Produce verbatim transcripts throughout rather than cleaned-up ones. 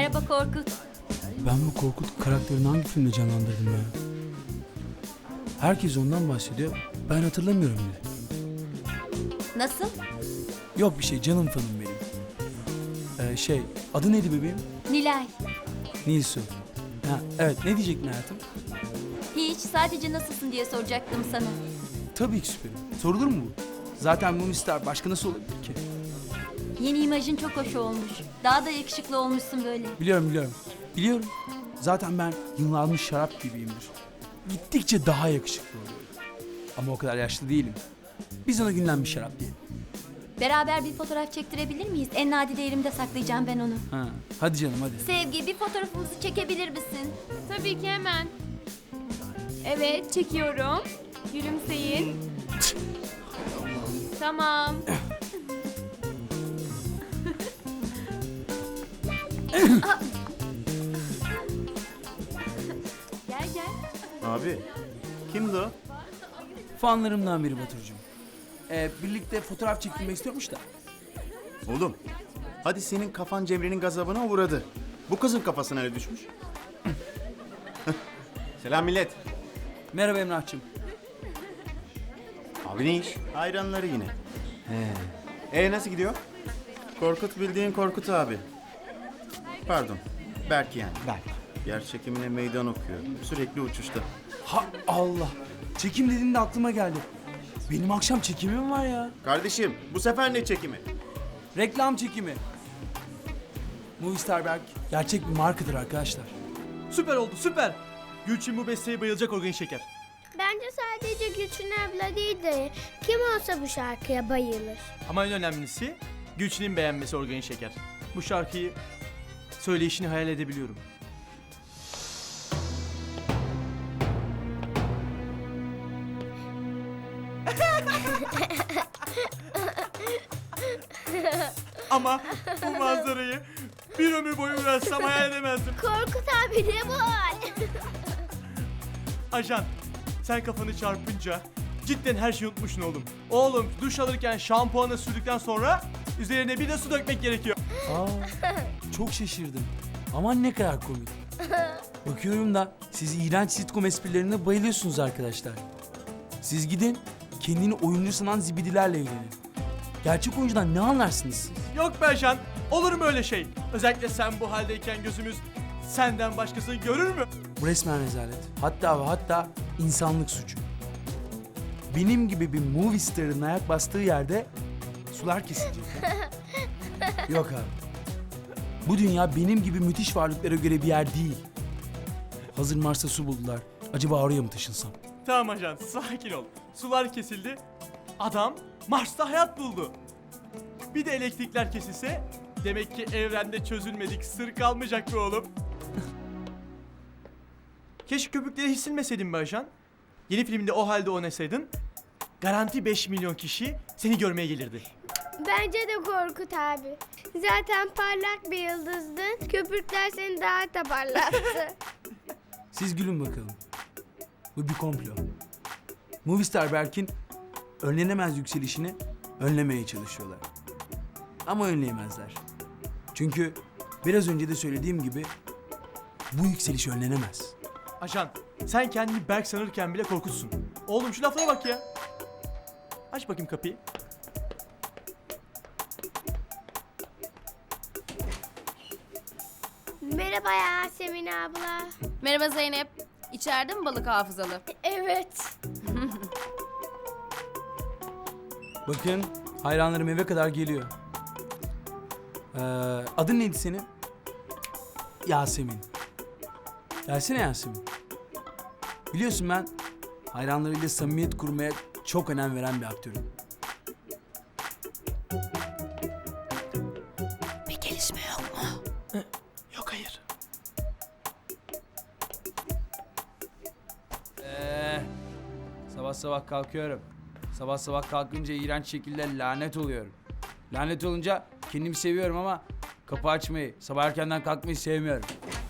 Merhaba Korkut. Ben bu Korkut karakterini hangi filmde canlandırdım ya? Herkes ondan bahsediyor. Ben hatırlamıyorum bile. Nasıl? Yok bir şey, canım fanım benim. Ee, şey, adı neydi bebeğim? Nilay. Nilsu. Ha, evet, ne diyecektin hayatım? Hiç, sadece nasılsın diye soracaktım sana. Tabii ki süperim. Sorulur mu bu? Zaten Moonstar başka nasıl olabilir ki? Yeni imajın çok hoş olmuş. Daha da yakışıklı olmuşsun böyle. Biliyorum biliyorum. Biliyorum. Zaten ben yıllanmış şarap gibiyimdir. Gittikçe daha yakışıklı oluyorum. Ama o kadar yaşlı değilim. Biz ona günlenmiş şarap diyelim. Beraber bir fotoğraf çektirebilir miyiz? En nadide yerimde saklayacağım ben onu. Ha, hadi canım hadi. Sevgi, bir fotoğrafımızı çekebilir misin? Tabii ki hemen. Evet, çekiyorum. Gülümseyin. Tamam. Gel gel. Abi, kimdi o? Fanlarımdan biri Baturcuğum. Ee, birlikte fotoğraf çekilmek istiyormuş da. Oğlum, hadi senin kafan Cemre'nin gazabına uğradı. Bu kızın kafasına ne düşmüş? Selam millet. Merhaba Emrah'cığım. Abi ne iş? Hayranları yine. He. E nasıl gidiyor? Korkut bildiğin Korkut abi. Pardon, Berk yani. Berk. Yer çekimine meydan okuyor. Sürekli uçuşta. Ha Allah. Çekim dediğinde aklıma geldi. Benim akşam çekimim var ya. Kardeşim, bu sefer ne çekimi? Reklam çekimi. Movistar Berk gerçek bir markadır arkadaşlar. Süper oldu, süper. Gülçin bu besteye bayılacak Organik Şeker. Bence sadece Gülçin abla değil de kim olsa bu şarkıya bayılır. Ama en önemlisi Gülçin'in beğenmesi Organik Şeker. Bu şarkıyı söyleyişini hayal edebiliyorum. Ama bu manzarayı bir ömür boyu uğraşsam hayal edemezdim. Korkut abi ne bu hal? Ajan, sen kafanı çarpınca cidden her şeyi unutmuşsun oğlum. Oğlum duş alırken şampuanı sürdükten sonra üzerine bir de su dökmek gerekiyor. Aa, çok şaşırdım. Aman ne kadar komik. Bakıyorum da siz iğrenç sitcom esprilerine bayılıyorsunuz arkadaşlar. Siz gidin kendini oyuncu sanan zibidilerle ilgilenin. Gerçek oyuncudan ne anlarsınız siz? Yok be ajan, olur mu öyle şey? Özellikle sen bu haldeyken gözümüz senden başkasını görür mü? Bu resmen rezalet. Hatta ve hatta insanlık suçu. Benim gibi bir movie star'ın ayak bastığı yerde sular kesilecek. Yok abi. Bu dünya benim gibi müthiş varlıklara göre bir yer değil. Hazır Mars'ta su buldular. Acaba oraya mı taşınsam? Tamam ajan, sakin ol. Sular kesildi, adam Mars'ta hayat buldu. Bir de elektrikler kesilse demek ki evrende çözülmedik sır kalmayacak be oğlum. Keşke köpükleri hiç silmeseydin be ajan. Yeni filmde o halde oynasaydın garanti beş milyon kişi seni görmeye gelirdi. Bence de Korkut abi. Zaten parlak bir yıldızdın. Köpürtler seni daha da parlattı. Siz gülün bakalım. Bu bir komplo. Movistar Berk'in önlenemez yükselişini önlemeye çalışıyorlar. Ama önleyemezler. Çünkü biraz önce de söylediğim gibi bu yükseliş önlenemez. Ajan, sen kendini Berk sanırken bile korkutsun. Oğlum şu laflara bak ya. Aç bakayım kapıyı. Merhaba Yasemin abla. Merhaba Zeynep. İçeride mi balık hafızalı? Evet. Bakın hayranlarım eve kadar geliyor. Ee, adın neydi senin? Yasemin. Gelsene Yasemin. Biliyorsun ben hayranlarıyla samimiyet kurmaya çok önem veren bir aktörüm. Bir gelişme yok mu? Yok hayır. Ee, sabah sabah kalkıyorum. Sabah sabah kalkınca iğrenç şekilde lanet oluyorum. Lanet olunca kendimi seviyorum ama kapı açmayı, sabah erkenden kalkmayı sevmiyorum.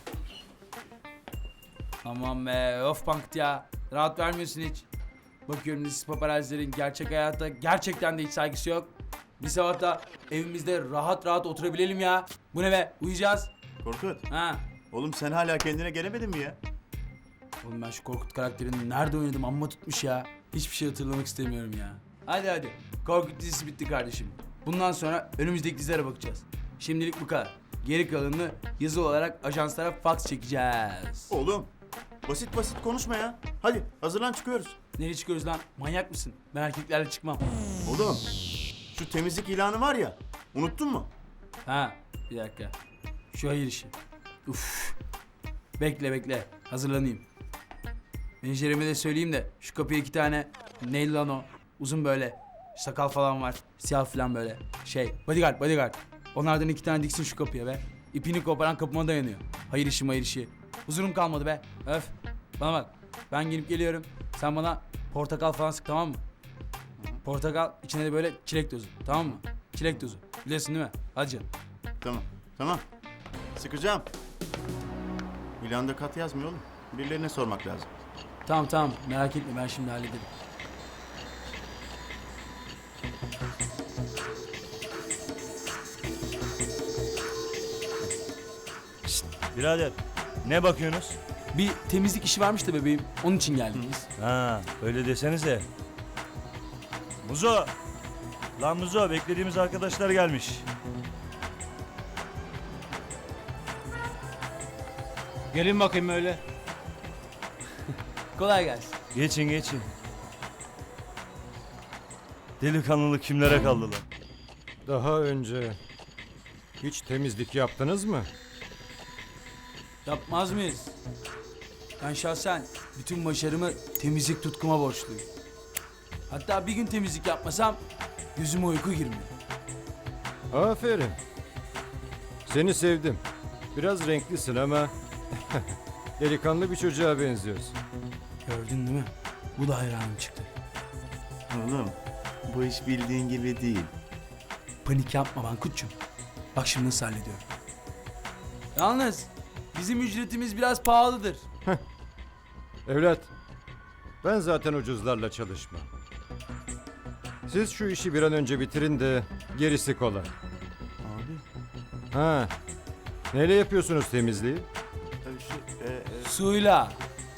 Aman be, of bankt ya. Rahat vermiyorsun hiç. Bakıyorum siz paparazilerin gerçek hayatta gerçekten de hiç saygısı yok. Bir sabah da evimizde rahat rahat oturabilelim ya. Bu ne be, uyuyacağız. Korkut. Ha. Oğlum sen hala kendine gelemedin mi ya? Oğlum ben şu Korkut karakterini nerede oynadım amma tutmuş ya. Hiçbir şey hatırlamak istemiyorum ya. Hadi hadi. Korkut dizisi bitti kardeşim. Bundan sonra önümüzdeki dizilere bakacağız. Şimdilik bu kadar. Geri kalanını yazılı olarak ajanslara fax çekeceğiz. Oğlum basit basit konuşma ya. Hadi hazırlan çıkıyoruz. Nereye çıkıyoruz lan? Manyak mısın? Ben erkeklerle çıkmam. Oğlum şu temizlik ilanı var ya. Unuttun mu? Ha bir dakika. Şu hayır işi. Uf. Bekle bekle. Hazırlanayım. Menajerime de söyleyeyim de şu kapıya iki tane neyli lan o? Uzun böyle. Sakal falan var. Siyah falan böyle. Şey bodyguard bodyguard. Onlardan iki tane diksin şu kapıya be. İpini koparan kapıma dayanıyor. Hayır işi hayır işi. Huzurum kalmadı be. Öf. Bana bak. Ben gelip geliyorum. Sen bana portakal falan sık tamam mı? Portakal içine de böyle çilek tozu. Tamam mı? Çilek tozu. Biliyorsun değil mi? Hadi canım. Tamam tamam. Sıkacağım. İlanda kat yazmıyor oğlum. Birilerine sormak lazım. Tamam tamam merak etme ben şimdi hallederim. Birader ne bakıyorsunuz? Bir temizlik işi varmış da bebeğim. Onun için geldik biz. Ha öyle desenize. Muzo. Lan Muzo beklediğimiz arkadaşlar gelmiş. Gelin bakayım öyle. Kolay gelsin. Geçin geçin. Delikanlılık kimlere kaldı lan? Daha önce hiç temizlik yaptınız mı? Yapmaz mıyız? Ben şahsen bütün başarımı temizlik tutkuma borçluyum. Hatta bir gün temizlik yapmasam gözüme uyku girmiyor. Aferin. Seni sevdim. Biraz renklisin ama delikanlı bir çocuğa benziyorsun. Gördün değil mi? Bu da hayranım çıktı. Oğlum bu iş bildiğin gibi değil. Panik yapma Bankut'cum. Bak şimdi nasıl hallediyorum. Yalnız bizim ücretimiz biraz pahalıdır. Evlat, ben zaten ucuzlarla çalışmam. Siz şu işi bir an önce bitirin de gerisi kolay. Abi. Ha, neyle yapıyorsunuz temizliği? Tabii şu e, e, Suyla.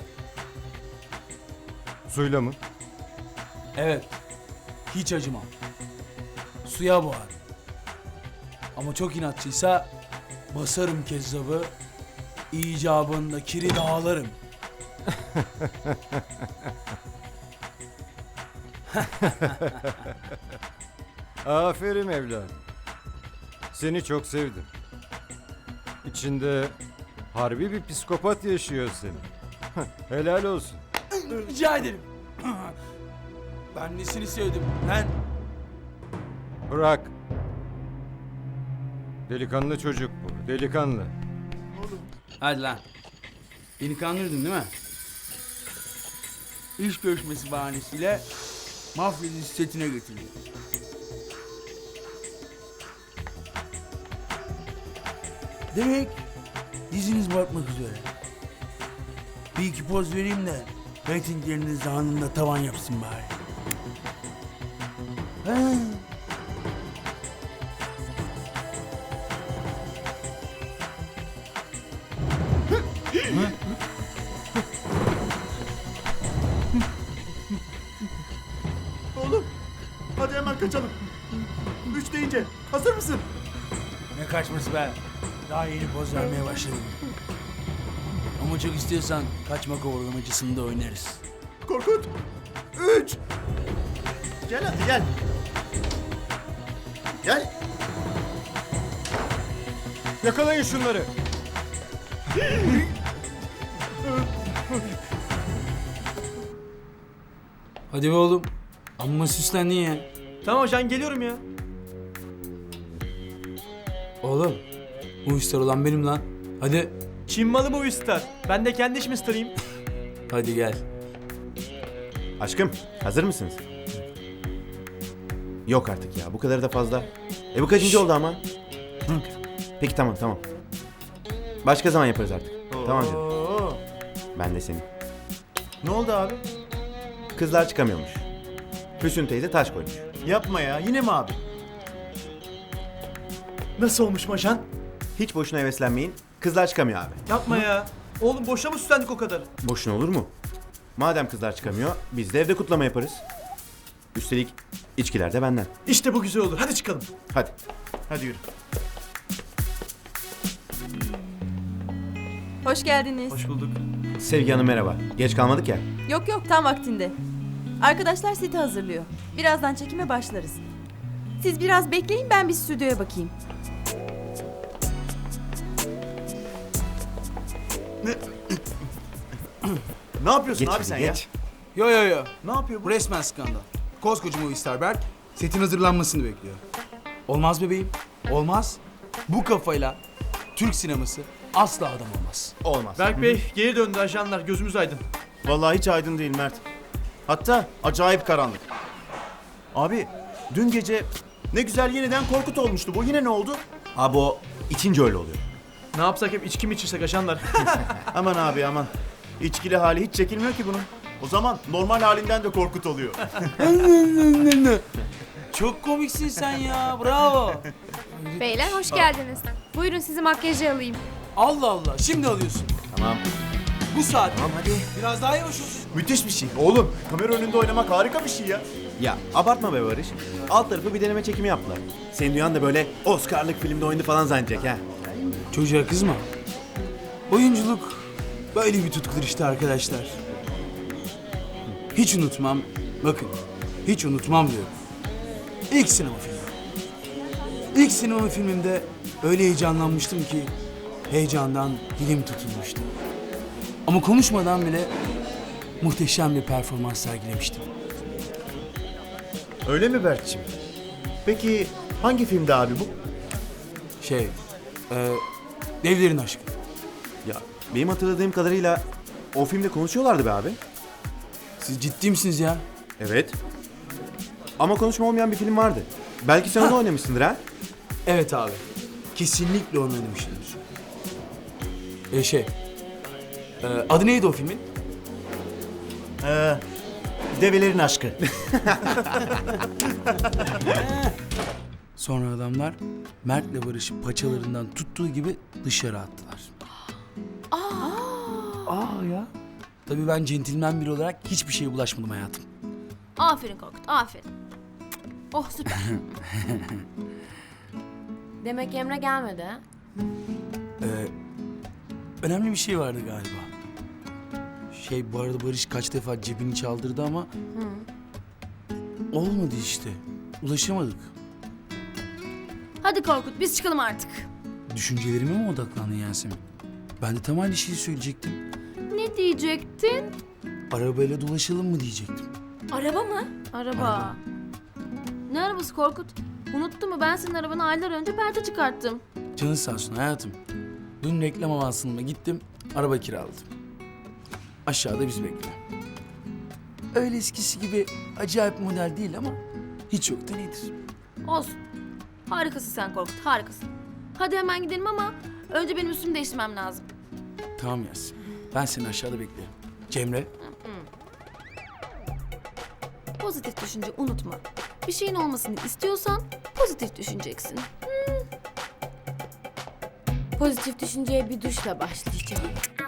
Suyla mı? Evet. Hiç acımam. Suya boğar. Ama çok inatçıysa basarım kezzabı. İcabında kiri dağlarım. Aferin evlat. Seni çok sevdim. İçinde harbi bir psikopat yaşıyor senin. Helal olsun. Rica ederim. Ben nesini sevdim? Ben Bırak. Delikanlı çocuk bu. Delikanlı. hadi lan. Beni kandırdın değil mi? İş görüşmesi bahanesiyle mafya dizisi setine götürdüm. Demek diziniz batmak üzere. Bir iki poz vereyim de reytingleriniz zamanında tavan yapsın bari. Ha. Oğlum hadi hemen kaçalım. Üç deyince hazır mısın? Ne kaçması be? Daha yeni poz vermeye başladım. Ama çok istiyorsan kaçma kovalamacısını da oynarız. Korkut. Üç. Gel hadi gel. Gel. Yakalayın şunları. Hadi be oğlum. Amma süslendin ya. Tamam hocam geliyorum ya. Oğlum. Bu işler olan benim lan. Hadi. Çin malı mı bu star? Ben de kendi işimi starayım. Hadi gel. Aşkım hazır mısınız? Yok artık ya bu kadar da fazla. E bu kaçıncı oldu ama? Peki tamam tamam. Başka zaman yaparız artık. Tamam canım. Ben de senin. Ne oldu abi? Kızlar çıkamıyormuş. Füsun teyze taş koymuş. Yapma ya yine mi abi? Nasıl olmuş Maşan? Hiç boşuna heveslenmeyin. Kızlar çıkamıyor abi. Yapma ya. Oğlum boşuna mı süslendik o kadar? Boşuna olur mu? Madem kızlar çıkamıyor, biz de evde kutlama yaparız. Üstelik içkiler de benden. İşte bu güzel olur. Hadi çıkalım. Hadi. Hadi yürü. Hoş geldiniz. Hoş bulduk. Sevgi Hanım merhaba. Geç kalmadık ya. Yok yok tam vaktinde. Arkadaşlar seti hazırlıyor. Birazdan çekime başlarız. Siz biraz bekleyin ben bir stüdyoya bakayım. Ne yapıyorsun Geç abi hadi, sen geç. Yo yo yo. Ne yapıyor bu? Bu resmen skandal. Koskoca Movistar Berk setin hazırlanmasını bekliyor. Olmaz bebeğim. Olmaz. Bu kafayla Türk sineması asla adam olmaz. Olmaz. Berk Bey geri döndü ajanlar. Gözümüz aydın. Vallahi hiç aydın değil Mert. Hatta acayip karanlık. Abi dün gece ne güzel yeniden Korkut olmuştu. Bu yine ne oldu? Abi o içince öyle oluyor. Ne yapsak hep içki mi içirsek ajanlar? Aman abi aman. İçkili hali hiç çekilmiyor ki bunun. O zaman normal halinden de Korkut oluyor. Çok komiksin sen ya. Bravo. Beyler hoş geldiniz. Buyurun sizi makyaja alayım. Allah Allah. Şimdi alıyorsun. Tamam. Bu saat. Tamam hadi. Biraz daha yavaş olsun. Müthiş bir şey. Oğlum kamera önünde oynamak harika bir şey ya. Ya abartma be Barış. Alt tarafı bir deneme çekimi yaptılar. Senin duyan da böyle Oscar'lık filmde oynadı falan zannedecek ha. Çocuğa kızma. Oyunculuk böyle bir tutkudur işte arkadaşlar. Hiç unutmam. Bakın. Hiç unutmam diyorum. İlk sinema filmi. İlk sinema filmimde öyle heyecanlanmıştım ki heyecandan dilim tutulmuştu. Ama konuşmadan bile muhteşem bir performans sergilemiştim. Öyle mi Berk'cim? Peki hangi filmde abi bu? Şey, e, Devlerin Aşkı. Ya benim hatırladığım kadarıyla o filmde konuşuyorlardı be abi. Siz ciddi misiniz ya? Evet. Ama konuşma olmayan bir film vardı. Belki sen onu oynamışsındır ha? Evet abi. Kesinlikle onu oynamışımdır. E şey, e, adı neydi o filmin? Ee, Develerin Aşkı. Sonra adamlar Mert'le Barış'ı paçalarından tuttuğu gibi dışarı attılar. Aa! Aa ya. Tabii ben centilmen biri olarak hiçbir şeye bulaşmadım hayatım. Aferin Korkut aferin. Oh süper. Demek Emre gelmedi ha? Ee, önemli bir şey vardı galiba. Şey bu arada Barış kaç defa cebini çaldırdı ama... Olmadı işte. Ulaşamadık. Hadi Korkut biz çıkalım artık. Düşüncelerime mi odaklandın Yasemin? Ben de tam aynı şeyi söyleyecektim. Ne diyecektin? Arabayla dolaşalım mı diyecektim. Araba mı? Araba. Araba. Ne arabası Korkut? Unuttun mu ben senin arabanı aylar önce perde çıkarttım. Canın sağ olsun hayatım. Dün reklam avansına gittim, araba kiraladım. Aşağıda bizi bekliyor. Öyle eskisi gibi acayip model değil ama hiç yoktan iyidir. Olsun. Harikasın sen Korkut harikasın. Hadi hemen gidelim ama önce benim üstümü değiştirmem lazım. Tamam Yasemin, ben seni aşağıda beklerim. Cemre, Pozitif düşünce unutma. Bir şeyin olmasını istiyorsan pozitif düşüneceksin. Hmm. Pozitif düşünceye bir duşla başlayacağım.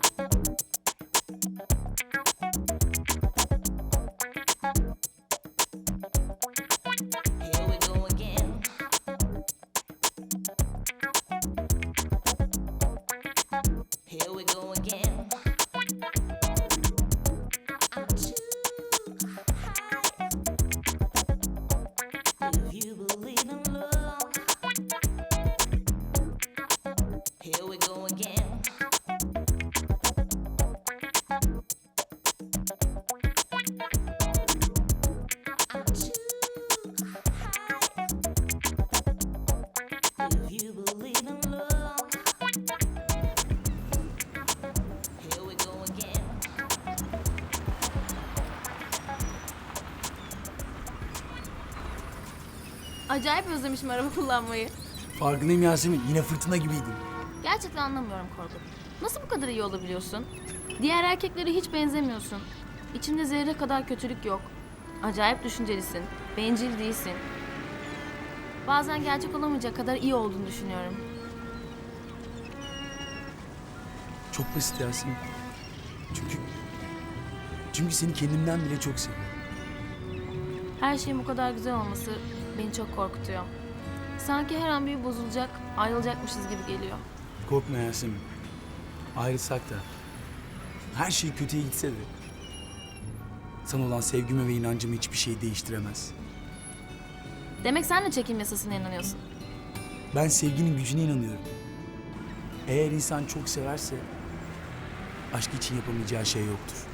Acayip özlemişim araba kullanmayı. farkındayım Yasemin. Yine fırtına gibiydin. Gerçekten anlamıyorum Korkut. Nasıl bu kadar iyi olabiliyorsun? Diğer erkeklere hiç benzemiyorsun. İçinde zerre kadar kötülük yok. Acayip düşüncelisin. Bencil değilsin. Bazen gerçek olamayacak kadar iyi olduğunu düşünüyorum. Çok basit Yasemin. Çünkü... Çünkü seni kendimden bile çok seviyorum. Her şeyin bu kadar güzel olması beni çok korkutuyor. Sanki her an bir bozulacak, ayrılacakmışız gibi geliyor. Korkma Yasemin. Ayrılsak da, her şey kötüye gitse de... sana olan sevgimi ve inancımı hiçbir şey değiştiremez. Demek sen de çekim yasasına inanıyorsun. Ben sevginin gücüne inanıyorum. Eğer insan çok severse... aşk için yapamayacağı şey yoktur.